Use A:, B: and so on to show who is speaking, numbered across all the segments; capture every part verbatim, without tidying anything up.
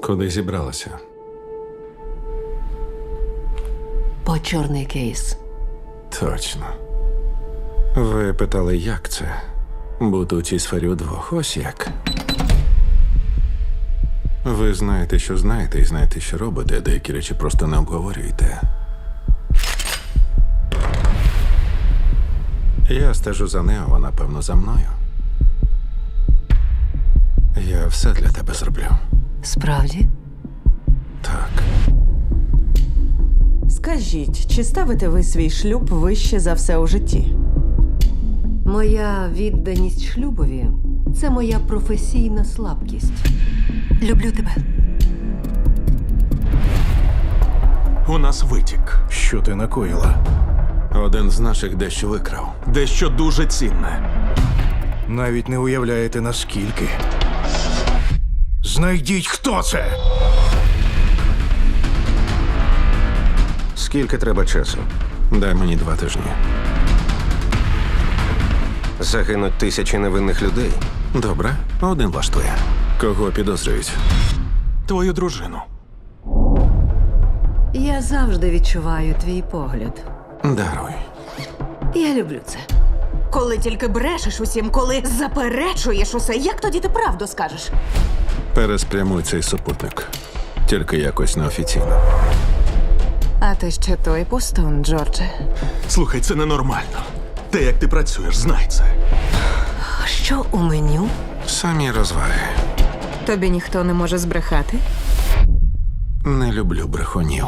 A: Куди зібралася?
B: По чорний кейс.
A: Точно. Ви питали, як це? Бути у цій сфері удвох. Ось як. Ви знаєте, що знаєте, і знаєте, що робите, а деякі речі просто не обговорюєте. Я стежу за нею, вона, певно, за мною. Я все для тебе зроблю.
B: Справді?
A: Так.
C: Скажіть, чи ставите ви свій шлюб вище за все у житті?
B: Моя відданість шлюбові – це моя професійна слабкість. Люблю тебе.
D: У нас витік.
E: Що ти накоїла?
A: Один з наших дещо викрав.
D: Дещо дуже цінне.
E: Навіть не уявляєте, наскільки. Знайдіть, хто це!
F: Скільки треба часу?
A: Дай мені два тижні.
F: Загинуть тисячі невинних людей.
A: Добре, один влаштує. Кого підозрюють?
D: Твою дружину.
B: Я завжди відчуваю твій погляд.
A: Даруй.
B: Я люблю це.
G: Коли тільки брешеш усім, коли заперечуєш усе, як тоді ти правду скажеш?
A: Переспрямуй цей супутник. Тільки якось неофіційно.
G: А ти ще той пустун, Джордже.
D: Слухай, це ненормально. Те, як ти працюєш, знай це.
B: Що у меню?
A: Самі розваги.
G: Тобі ніхто не може збрехати?
A: Не люблю брехунів.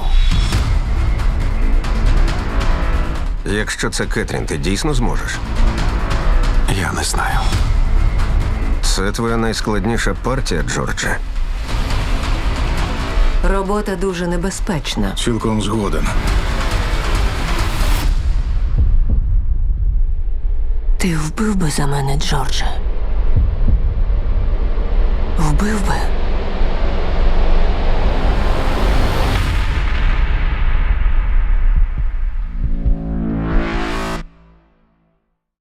F: Якщо це Кетрін, ти дійсно зможеш?
A: Я не знаю.
F: Це твоя найскладніша партія, Джордже.
B: Робота дуже небезпечна.
E: Цілком згоден.
B: Ти вбив би за мене, Джордже? Вбив би?